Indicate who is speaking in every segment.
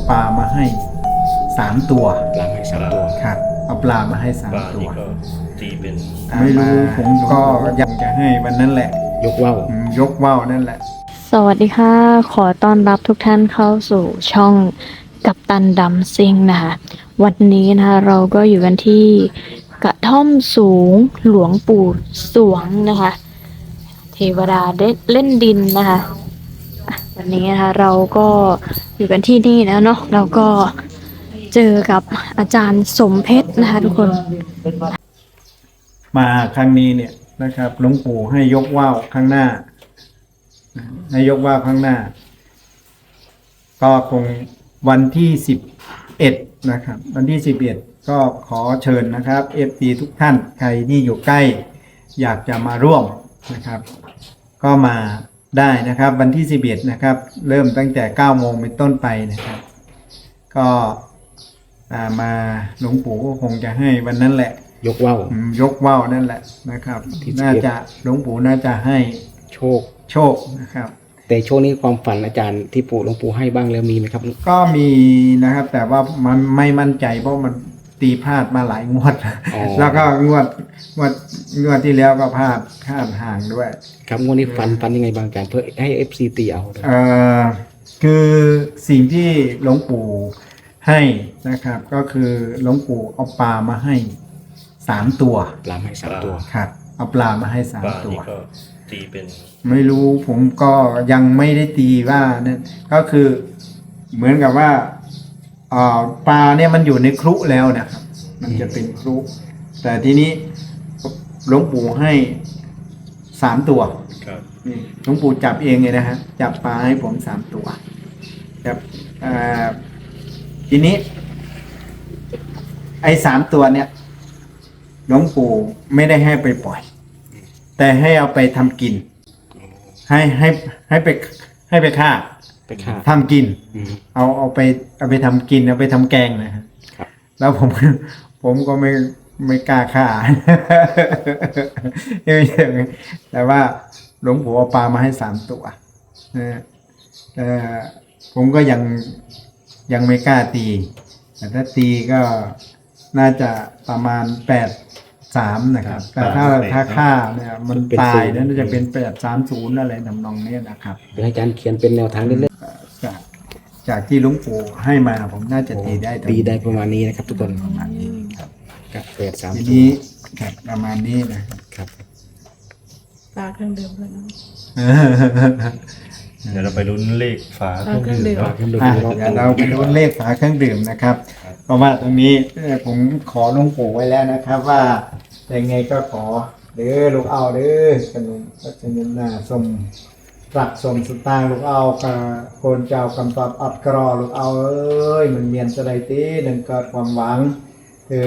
Speaker 1: ปลามาให้3 ตัว
Speaker 2: ปลาให้3 ตัว
Speaker 1: ครับเอาปลามาให้3 ตัว
Speaker 3: นี่ก็ตีเป็น
Speaker 1: ไม่รู้ผมก็อยากจะให้วันนั้นแหละ
Speaker 2: ยกว่าว
Speaker 1: ยกว่าวนั่นแหละ
Speaker 4: สวัสดีค่ะ ขอต้อนรับทุกท่านเข้าสู่ช่องกัปตันดำซิ่งนะคะ วันนี้นะคะเราก็อยู่กันที่กระท่อมสูงหลวงปู่สวงนะคะ เทวดาเล่นดินนะคะวันนี้นะคะเราก็อยู่กันที่นี่แล้วเนาะเราก็เจอกับอาจารย์สมเพชรนะคะทุกคน
Speaker 1: มาครั้งนี้เนี่ยนะครับหลวงปู่ให้ยกว่าวข้างหน้าให้ยกว่าวข้างหน้า ก็คงวันที่11นะครับวันที่11ก็ขอเชิญนะครับFPทุกท่านใครที่อยู่ใกล้อยากจะมาร่วมนะครับ ก็มาได้นะครับวันที่11นะครับเริ่มตั้งแต่9 โมงเป็นต้นไปนะครับ ก็มาหลวงปู่ก็คงจะให้วันนั้นแหละ
Speaker 2: ยกว่าว
Speaker 1: ยกว่าวนั่นแหละนะครับ
Speaker 2: ที่11
Speaker 1: น่าจะหลวงปู่น่าจะให้
Speaker 2: โชค
Speaker 1: โชคนะครับ
Speaker 2: แต่ช่วงนี้ความฝันอาจารย์ที่หลวงปู่ให้บ้างแล้วมีไหมครับ
Speaker 1: ก็มีนะครับแต่ว่ามันไม่มั่นใจเพราะมันตีพลาดมาหลายงวด
Speaker 2: อ๋อ
Speaker 1: แล้วก็งวดที่แล้วก็พลาดห่างด้วย
Speaker 2: ครับงวดนี้ฝันยังไงบางอาจารย์เพื่อให้ FC ตีเอาด้วย
Speaker 1: คือสิ่งที่หลวงปู่ให้นะครับ ก็คือหลวงปู่เอาปลามาให้3 ตัว
Speaker 2: ปลาให้3 ตัว
Speaker 1: ครับเอาปลามาให้
Speaker 3: ปลา
Speaker 1: 3 ตัว
Speaker 3: นี่ก็ตีเป็น
Speaker 1: ไม่รู้ผมก็ยังไม่ได้ตีว่านั่นก็คือเหมือนกับว่าปลาเนี่ยมันอยู่ในครุแล้วนะครับ มันจะเป็นครุแต่ทีนี้หลวงปู่ให้3 ตัว
Speaker 3: ครับ
Speaker 1: นี่หลวงปู่จับเองเลยนะฮะจับปลาให้ผม3 ตัวจับทีนี้ไอ้3 ตัวเนี่ยหลวงปู่ไม่ได้ให้ไปปล่อย แต่ให้เอาไปทำกิน ให้ไปฆ่า
Speaker 2: ไปฆ่า
Speaker 1: ทำกิน
Speaker 2: อืม
Speaker 1: เอาไปทำกินเอาไปทำแกงนะครับ
Speaker 2: ครับ
Speaker 1: แล้วผมก็ไม่กล้าฆ่า แต่ว่าหลวงปู่เอาปลามาให้3 ตัวนะผมก็ยังไม่กล้าตี แต่ถ้าตีก็น่าจะประมาณ8-3นะครับ แต่ถ้าฆ่าเนี่ยมันตายแล้วน่าจะเป็น8-3-0อะไรทำนองนี้นะครับ
Speaker 2: เดี๋ยวให้อาจารย์เขียนเป็นแนวทางเล่น
Speaker 1: จากที่หลวงปู่ให้มาผมน่าจะตีได้
Speaker 2: ตีได้ประมาณนี้นะครับทุกคน
Speaker 1: ประมาณนี้ครับ
Speaker 2: กับ8
Speaker 1: ที
Speaker 2: 3
Speaker 1: นี้ครับประมาณนี้นะครับ
Speaker 2: ครับ
Speaker 5: ฝาเครื่องดื่มด้วยนะ
Speaker 3: เดี๋ยวเราไปลุ้นเลขฝาเครื่องดื่มเนาะ
Speaker 2: ขึ้นดู
Speaker 1: อ่ะ
Speaker 2: รอบ
Speaker 1: เดี๋ยวเราไปดูเลขฝาเครื่องดื่มนะครับ เพราะว่าตรงนี้ผมขอหลวงปู่ไว้แล้วนะครับ ว่ายังไงก็ขอเด้อลูกเอาเด้อขนมก็จะเงินหน้าสมรักสมสตางค์ลูกเอากับโคนเจ้ากำตอบอัดกรอลูกเอาเอ้ยมันเมียนสะใดตีหนึ่งเกิดความหวังเธอ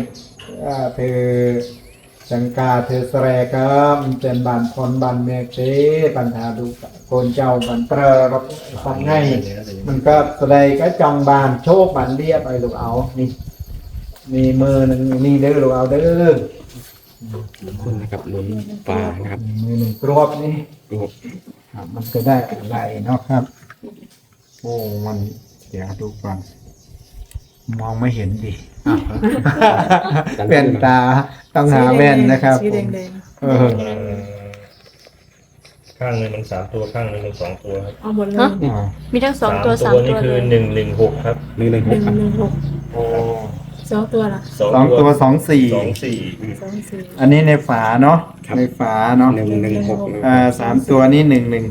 Speaker 1: จังกาเธอแสรครับเป็นบานพรบานเมฆเตปัญหาดูโคนเจ้าบันเตอร์รับฟังให้มันก็แสดงก็จองบานโชคบันเรียบไอ้ลูกเอานี่มีมือหนึ่งนี่เด้อลูกเอาเด้อ
Speaker 2: ทุกคนนะครับลุ้นปลานะครับ
Speaker 1: มือหนึ่งกรวบนี่
Speaker 2: ดู
Speaker 1: ครับมันจะได้อะไรเนาะครับ โอ้มันเดี๋ยวดูก่อนมองไม่เห็นดิแว่นตาต้องหาแว่นนะครับ
Speaker 5: สีแดง
Speaker 1: เออ
Speaker 3: ข้างหนึงมัน3 ตัวข้างหนึงมัน2 ตัวครับ
Speaker 5: ๆเอาหมดเลย
Speaker 4: ฮะ มีทั้ง2 ตัว 3
Speaker 3: นี่
Speaker 4: ตัว
Speaker 3: คื
Speaker 4: เล
Speaker 3: อย116ครับ
Speaker 2: 1 1 6ครับ
Speaker 5: 116
Speaker 1: โอ้
Speaker 5: 2 ตัวล่ะ
Speaker 1: 2 ตัว 2-4
Speaker 3: 24
Speaker 5: 2 4
Speaker 1: อันนี้ในฝาเนาะในฝาเนาะ
Speaker 2: 1 1
Speaker 1: 3 ตัวนี้116 1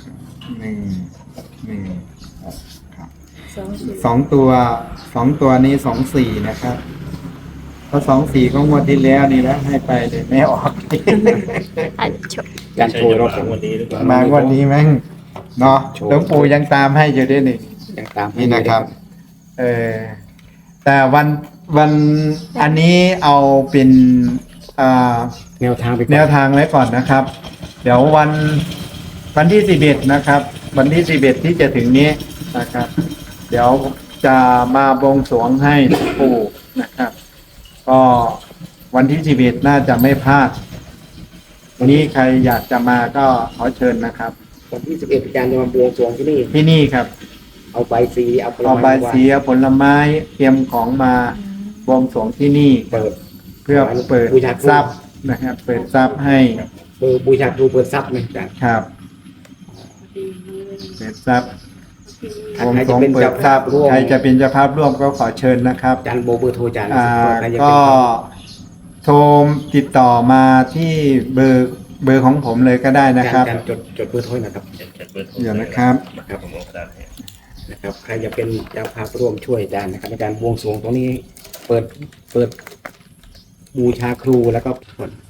Speaker 1: ครับ
Speaker 5: 2 4
Speaker 1: 2 ตัวนี้24นะครับเพราะ24ก็งวดที่แล้วนี่แล้วให้ไปเลยไม่ออก
Speaker 4: อ่ะชม
Speaker 2: การโชว์รอบ
Speaker 3: ใช่จะมาวันนี้หรือเปล่า
Speaker 1: มางวดนี้แม่งเนาะหลวงปู่ยังตามให้อยู่ด้วยนี่
Speaker 2: ยังตามให้
Speaker 1: นี่นะครับ แต่วันอันนี้เอาเป็น
Speaker 2: แนวทางไปก่อน
Speaker 1: แนวทางไว้ก่อนนะครับ เดี๋ยววันที่11นะครับ วันที่11ที่จะถึงนี้นะครับ เดี๋ยวจะมาบวงสรวงให้หลวงปู่นะครับ ก็วันที่11น่าจะไม่พลาดวันนี้ใครอยากจะมาก็ขอเชิญนะครับ
Speaker 2: วันที่11อาจารย์จะมาบวงสรวงที่นี่
Speaker 1: ที่นี่ครับ
Speaker 2: เอาใบสีเอาผล
Speaker 1: เอา
Speaker 2: ไม้
Speaker 1: ใบายสีเอาผลไม้เตรียมของมาบวงสรวงที่นี่
Speaker 2: เปิด
Speaker 1: เพื่อเปิด
Speaker 2: บูชาครู
Speaker 1: ทรัพย์นะครับ เปิดทรัพย์ให้
Speaker 2: บูชาครูเปิดทรัพย์นะอาจารย์
Speaker 1: ครับ เปิดทรัพย์
Speaker 2: ถ้า
Speaker 1: บวง
Speaker 2: ใคร
Speaker 1: สร
Speaker 2: จะ
Speaker 1: วง
Speaker 2: เป็น
Speaker 1: เปิ
Speaker 2: เจ้า
Speaker 1: ดท
Speaker 2: ภา
Speaker 1: รั
Speaker 2: พ
Speaker 1: พย์
Speaker 2: ร่วม
Speaker 1: ใครจะเป็นเจ้าภาพร่วมก็ขอเชิญนะครับ
Speaker 2: อาจารย์โบเบอร์โทรอาจารย์ ใครจะเป็น
Speaker 1: ก็โทรติดต่อมาที่เบอร์ของผมเลยก็ได้นะครับ
Speaker 2: อาจารย์จดเบอร์โทรนะครับ
Speaker 3: เขียนเบอร์โทร
Speaker 1: เดี๋ยวนะครับ
Speaker 3: ครับผมเอากระดาษให้
Speaker 2: นะครับใครจะเป็นเจ้าภาพร่วมช่วยอาจารย์นะครับอาจารย์บวงสรวงตรงนี้เปิดบูชาครูแล้วก็ผล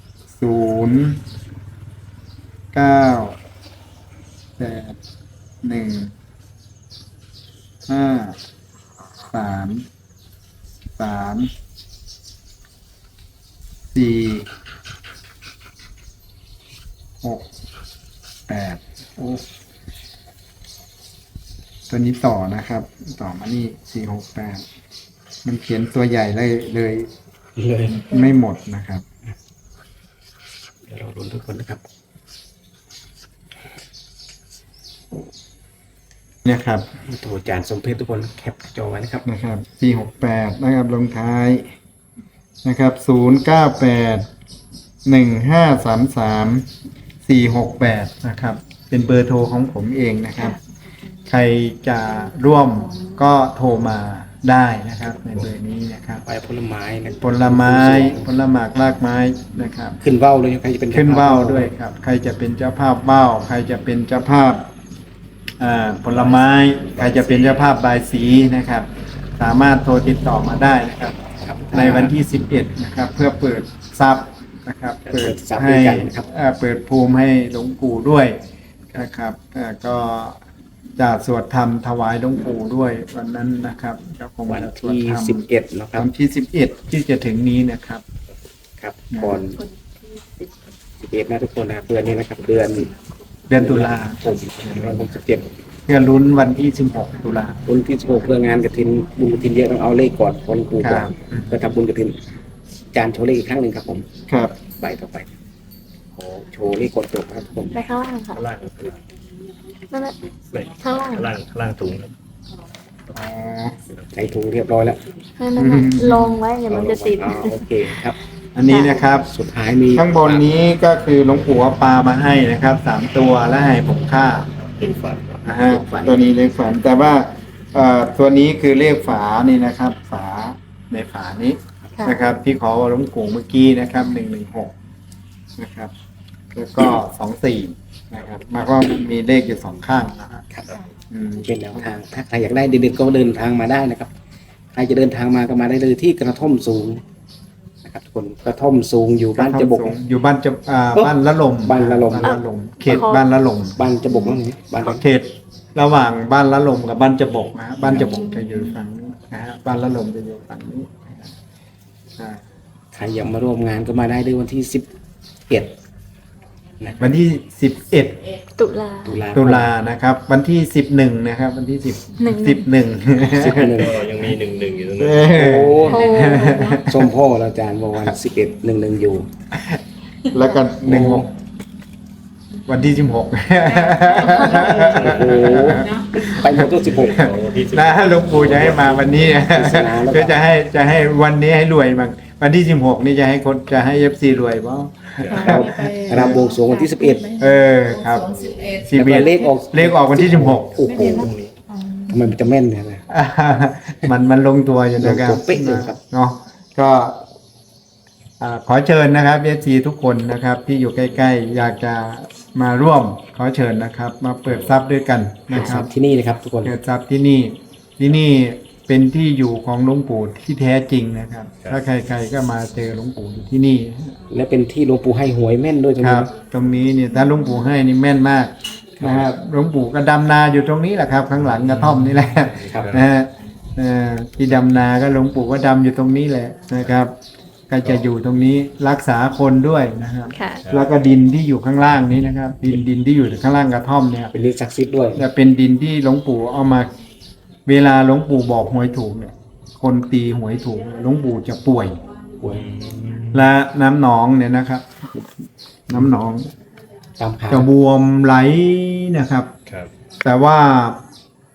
Speaker 1: โอ้ตัวนี้ต่อนะครับ ต่อมานี่468มันเขียนตัวใหญ่เลย
Speaker 2: เลย
Speaker 1: ไม่หมดนะครับ
Speaker 2: เดี๋ยวเราลุ้นทุกคนนะครับ
Speaker 1: เนี่ยครับ
Speaker 2: โทรอาจารย์สมเพชรทุกคนแคปจอไว้นะครับ
Speaker 1: นะครับ468นะครับลงท้ายนะครับ0981533468นะครับ เป็นเบอร์โทรของผมเองนะครับ ใครจะร่วมก็โทรมาได้นะครับในเบอร์นี้นะครับ
Speaker 2: ไปผลไม้นะ
Speaker 1: ผลไม้ผลหมากรากไม้นะครับ
Speaker 2: ขึ้นเว้าเลยใครจะเป็น
Speaker 1: ขึ้นว่าวด้วยครับ ใครจะเป็นเจ้าภาพว่าวใครจะเป็นเจ้าภาพผลไม้ใครจะเป็นเจ้าภาพบายสีนะครับ สามารถโทรติดต่อมาได้นะครับ
Speaker 2: ครับ
Speaker 1: ในวันที่11นะครับเพื่อเปิดทรัพย์นะครับ เปิด
Speaker 2: ทรัพย์
Speaker 1: ให้
Speaker 2: ด้วยกันนะครับ
Speaker 1: เปิดภูมิให้หลวงปู่ด้วยนะครับก็จะสวดธรรมถวายหลวงปู่ด้วยวันนั้นนะครับก็คง
Speaker 2: วัน
Speaker 1: จะสวด
Speaker 2: ที่
Speaker 1: ธรรม
Speaker 2: 11นะครับ
Speaker 1: วันที่11ที่จะถึงนี้นะครับ
Speaker 2: ครับก่อน11นะทุกคนนะครับเดือนนี้นะครับเดือน
Speaker 1: เดือนตุลา
Speaker 2: 67
Speaker 1: เพื่อลุ้นวันที่16ตุลา
Speaker 2: บุญที่16เพื่องานกฐินบุญกฐินเยอะต้องเอาเลขก่อนคนปู่ก่อน
Speaker 1: ครับ
Speaker 2: เพื่อทำบุญกฐินอาจารย์โชว์เลขอีกครั้งหนึ่งครับผม
Speaker 1: ครับ
Speaker 2: ใบต่อไปขอโชว์เลขกดจบครับผม
Speaker 4: ไปข้างล่างค่ะ
Speaker 3: ข้างล่าง
Speaker 4: นั่นแหละ
Speaker 3: ไม่
Speaker 4: ข้างล่าง
Speaker 3: ข้างล่างถุงครับ
Speaker 1: อ๋อ
Speaker 2: ใส่ถุงเรียบร้อยแล้ว
Speaker 4: นั่นน่ะลงไว้เดี๋ยวมันจะติด
Speaker 2: อ๋อโอเคครับ
Speaker 1: อันนี้นะครับ
Speaker 2: สุดท้ายมี
Speaker 1: ข้างบนนี้ก็คือหลวงปู่เอาปลามาให้นะครับ3ตัวและให้ผมค่า
Speaker 3: เป็นฝัน
Speaker 1: นะฮะตัวนี้เลขฝาแต่ว่าตัวนี้คือเลขฝานี่นะครับ ฝาในฝานี้
Speaker 4: ค่ะ
Speaker 1: นะครับ ที่ขอหลวงปู่เมื่อกี้นะครับ116นะครับ แล้วก็24นะครับหมายความว่ามันมีเลขอยู่2ข้างนะครับ
Speaker 2: ครับ
Speaker 1: อืม
Speaker 2: เป็นแนวทางถ้าใครอยากได้เด็ดๆก็เดินทางมาได้นะครับใครจะเดินทางมาก็มาได้เลยที่กระท่อมสูงนะครับทุกคนกระท่อมสูงอยู่บ้านจะบก
Speaker 1: อยู่บ้านจะบ้านละลม
Speaker 2: บ้านละลม
Speaker 1: บ้านละลมเขตบ้านละลม
Speaker 2: บ้านจะบกนั่นนี่บ้าน
Speaker 1: เขตระหว่างบ้านละลมกับบ้านจะบกนะฮะบ้านจะบกจะอยู่ฝั่งนี้นะฮะบ้านละลมจะอยู่ฝั่งนี้นะครับ
Speaker 2: ใครอยากมาร่วมงานก็มาได้เลยวันที่11นะครับ
Speaker 1: วันที่11
Speaker 4: ตุลา
Speaker 1: ตุลานะครับ วันที่11นะครับ วันที่10
Speaker 4: หนึ่ง
Speaker 1: 11
Speaker 3: ก็ยังมี1อยู่ตรง
Speaker 1: เอ
Speaker 3: นั้น
Speaker 1: อ
Speaker 2: โอ้
Speaker 4: โอ้
Speaker 2: ส้มพ่อแล้วอาจารย์บอกวัน1111อยู่
Speaker 1: แล้วก็16วันที่16
Speaker 2: โอ้โหไปหมดตัว16
Speaker 3: วันที่10
Speaker 1: นะหลวงปู่จะให้มาวันนี้
Speaker 2: ปริศนาแล้วก็
Speaker 1: ก็จะให้วันนี้ให้รวยบ้างวันที่16นี่จะให้คนจะให้ FC รวยบ้าง
Speaker 2: รำบวงสรวงวันที่11
Speaker 1: เออครับ
Speaker 2: แล้วก็เลขออก
Speaker 1: เลขออกวันที่16
Speaker 2: โอ้โหทำไมมันจะแม่นเนี่ยนะ
Speaker 1: มันลงตัวอยู่นะครับ
Speaker 2: ลงตัวเป๊ะเลยครับ
Speaker 1: เนาะก็ขอเชิญนะครับเอซีทุกคนนะครับ ที่อยู่ใกล้ๆ อยากจะมาร่วมขอเชิญนะครับ มาเปิดทรัพย์ด้วยกันนะครับ
Speaker 2: ที่นี่นะครับทุกคน
Speaker 1: เปิดทรัพย์ที่นี่เป็นที่อยู่ของหลวงปู่ที่แท้จริงนะครับ ถ้าใครๆก็มาเจอหลวงปู่อยู่ที่นี่
Speaker 2: และเป็นที่หลวงปู่ให้หวยแม่นด้วยตรง
Speaker 1: ค
Speaker 2: นี้
Speaker 1: รับ ตรงนี้เนี่ยถ้าหลวงปู่ให้นี่แม่นมากนะครับหลวงปู่ก็ดำนาอยู่ตรงนี้แหละครับ ข้างหลังกระท่อมนี่แหละ
Speaker 2: ครับ
Speaker 1: นะฮะที่ดำนาก็หลวงปู่ก็ดำอยู่ตรงนี้แหละนะครับ ก็จะอยู่ตรงนี้รักษาคนด้วยนะครับ
Speaker 4: ค่ะ
Speaker 1: แล้วก็ดินที่อยู่ข้างล่างนี้นะครับ ดินที่อยู่ข้างล่างกระท่อมเนี่ย
Speaker 2: เป็นเลขศักดิ์สิทธิ์ด้วย
Speaker 1: จะเป็นดินที่หลวงปู่เอามา เวลาหลวงปู่บอกหวยถูกเนี่ย คนตีหวยถูกหลวงปู่จะป่วย
Speaker 2: หวย
Speaker 1: และน้ำหนองเนี่ยนะครับ น้ำหนอง
Speaker 2: ตามข่าว
Speaker 1: จะบวมไหลนะครับ
Speaker 3: ครับ
Speaker 1: แต่ว่าพ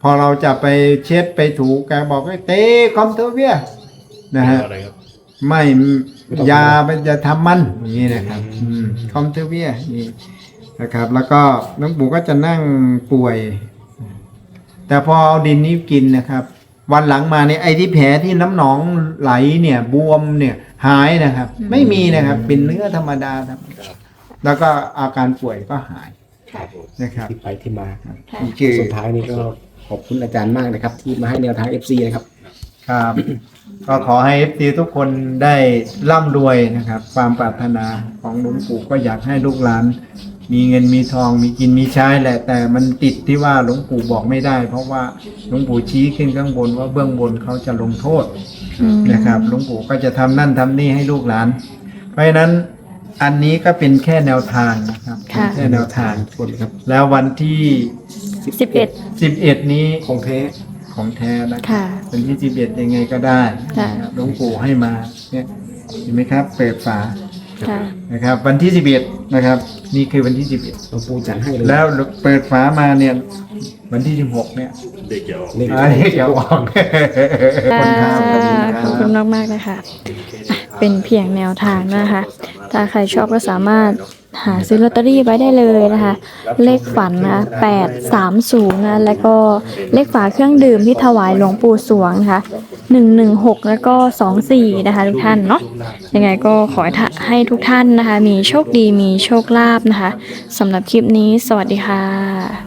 Speaker 1: อเราจะไปเช็ดไปถูแกบอกให้เตะคอมเทเวียนะฮะ
Speaker 3: อะไรครับ
Speaker 1: ไม่ยามันจะทำมันอย่างนี้นะครับคอมเทเวียนี่นะครับ แล้วก็หลวงปู่ก็จะนั่งป่วย แต่พอเอาดินนี้กินนะครับ วันหลังมาเนี่ยไอ้ที่แผลที่น้ำหนองไหลเนี่ยบวมเนี่ยหายนะครับ ไม่มีนะครับ เป็นเนื้อธรรมดาครับ แล้วก็อาการป่วยก็หายนะครับ
Speaker 2: ที่ไปที่มาครับ
Speaker 1: นี่คือ
Speaker 2: สุดท้ายนี้ก็ขอบคุณอาจารย์มากนะครับ ที่มาให้แนวทาง FC นะครับ
Speaker 1: ครับ ก็ขอให้ FT ทุกคนได้ร่ำรวยนะครับ ความปรารถนาของหลวงปู่ก็อยากให้ลูกหลาน มีเงินมีทองมีกินมีใช้แหละ แต่มันติดที่ว่าหลวงปู่บอกไม่ได้ เพราะว่าหลวงปู่ชี้ขึ้นข้างบนว่าเบื้องบนเขาจะลงโทษนะครับหลวงปู่ก็จะทำนั่นทำนี่ให้ลูกหลาน เพราะฉะนั้นอันนี้ก็เป็นแค่แนวทางนะครับ
Speaker 4: ค่ะ
Speaker 1: แค่แนวทาง
Speaker 2: คนครับ
Speaker 1: แล้ววันที่
Speaker 4: 11
Speaker 1: 11 นี้
Speaker 2: ของแท้
Speaker 1: ของแท้นะ
Speaker 4: ค่ะ
Speaker 1: วันที่11ยังไงก็ได้
Speaker 4: ค่ะ
Speaker 1: นะครับหลวงปู่ให้มาเนี่ยเห็นไหมครับ เปิดฝา
Speaker 4: ค่ะ
Speaker 1: นะครับ วันที่11นะครับ นี่คือวันที่ 11
Speaker 2: หลวงปู่จัดให้เลย
Speaker 1: แล้วเปิดฝามาเนี่ย วันที่ 16 เนี่ย
Speaker 3: เด็กจะออก
Speaker 2: เลข
Speaker 1: อันนี้เดี๋ยวออกคนทำกัน
Speaker 4: ขอบคุณมาก ๆ นะคะอ่ะเป็นเพียงแนวทางนะคะ ถ้าใครชอบก็สามารถหาซื้อลอตเตอรี่ไว้ได้เลยนะคะ เลขฝันนะ830นะแล้วก็เลขฝาเครื่องดื่มที่ถวายหลวงปู่สวงนะคะ116 แล้วก็24นะคะทุกท่านเนาะยังไงก็ขอให้ทุกท่านนะคะ มีโชคดีมีโชคลาภนะคะสำหรับคลิปนี้สวัสดีค่ะ